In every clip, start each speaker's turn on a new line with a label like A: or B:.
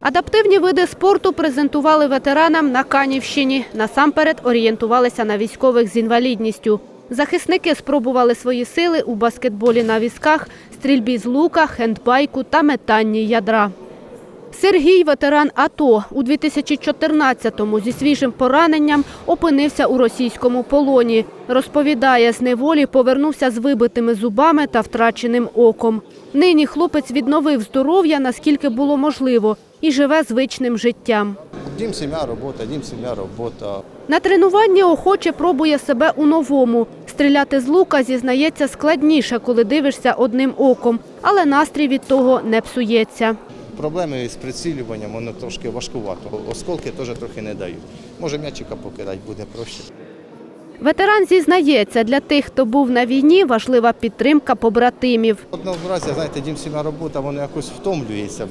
A: Адаптивні види спорту презентували ветеранам на Канівщині. Насамперед орієнтувалися на військових з інвалідністю. Захисники спробували свої сили у баскетболі на візках, стрільбі з лука, хендбайку та метанні ядра. Сергій – ветеран АТО. У 2014-му зі свіжим пораненням опинився у російському полоні. Розповідає, з неволі повернувся з вибитими зубами та втраченим оком. Нині хлопець відновив здоров'я, наскільки було можливо, і живе звичним життям.
B: Дім, сім'я, робота.
A: На тренуванні охоче пробує себе у новому. Стріляти з лука, зізнається, складніше, коли дивишся одним оком, але настрій від того не псується.
B: Проблеми з прицілюванням, воно трошки важкувато. Осколки теж трохи не дають. Може м'ячика покидати буде проще.
A: Ветеран зізнається, для тих, хто був на війні, важлива підтримка побратимів.
B: Одного разу, знаєте, дім, сім'я, робота, воно якось втомлюється.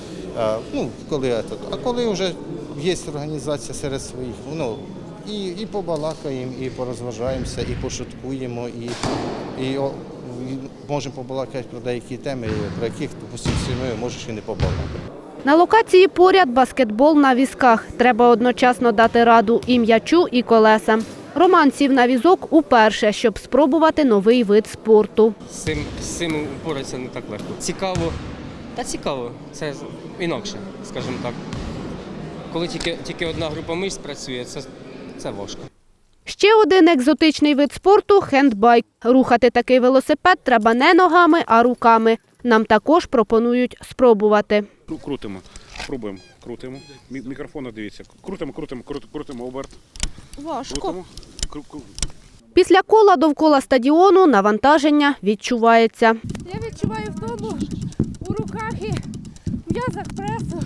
B: Коли вже є організація серед своїх, і побалакаємо, і порозважаємося, і пошуткуємо, і можемо побалакати про деякі теми, про яких, допустимо, сім'єю можеш і не побалакати.
A: На локації поряд баскетбол на візках. Треба одночасно дати раду і м'ячу, і колесам. Роман сів на візок уперше, щоб спробувати новий вид спорту.
C: З цим упоратися не так легко. Цікаво. Цікаво. Це інакше, скажімо так. Коли тільки одна група мишць працює, це важко.
A: Ще один екзотичний вид спорту – хендбайк. Рухати такий велосипед треба не ногами, а руками. Нам також пропонують спробувати.
D: Крутимо, пробуємо, крутимо. Мікрофон, дивіться. Крутимо оберт.
A: Важко. Після кола довкола стадіону навантаження відчувається.
E: Я відчуваю втому у руках і м'язах пресу.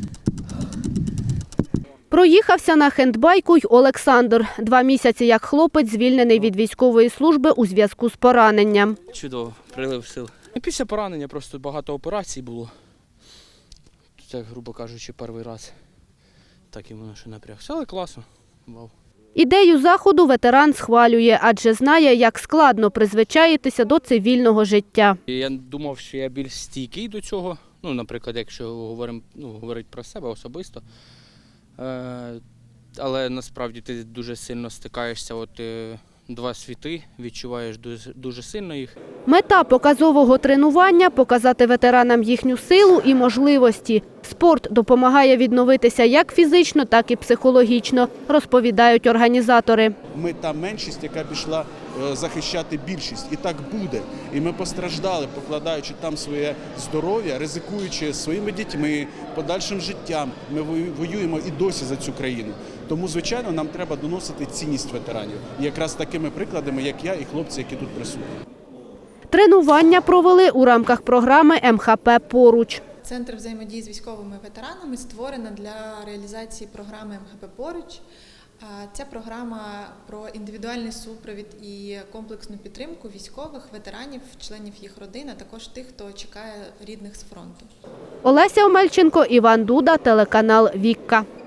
A: Проїхався на хендбайку й Олександр. 2 місяці як хлопець звільнений від військової служби у зв'язку з пораненням.
F: Чудово, прилив сил. Після поранення просто багато операцій було. Це, грубо кажучи, перший раз. Так і воно ще напрягся, але класно. Вау.
A: Ідею заходу ветеран схвалює, адже знає, як складно призвичаїтися до цивільного життя.
F: Я думав, що я більш стійкий до цього. Наприклад, якщо говорити про себе особисто. Але насправді ти дуже сильно стикаєшся, два світи, відчуваєш дуже сильно їх.
A: Мета показового тренування – показати ветеранам їхню силу і можливості. Спорт допомагає відновитися як фізично, так і психологічно, розповідають організатори.
G: Ми та меншість, яка пішла захищати більшість. І так буде. І ми постраждали, покладаючи там своє здоров'я, ризикуючи своїми дітьми, подальшим життям. Ми воюємо і досі за цю країну. Тому, звичайно, нам треба доносити цінність ветеранів. І якраз такими прикладами, як я і хлопці, які тут присутні.
A: Тренування провели у рамках програми МХП «Поруч».
H: Центр взаємодії з військовими ветеранами створено для реалізації програми МХП «Поруч». Ця програма про індивідуальний супровід і комплексну підтримку військових, ветеранів, членів їх родин, а також тих, хто чекає рідних з фронту.
A: Олеся Омельченко, Іван Дуда, телеканал «Вікка».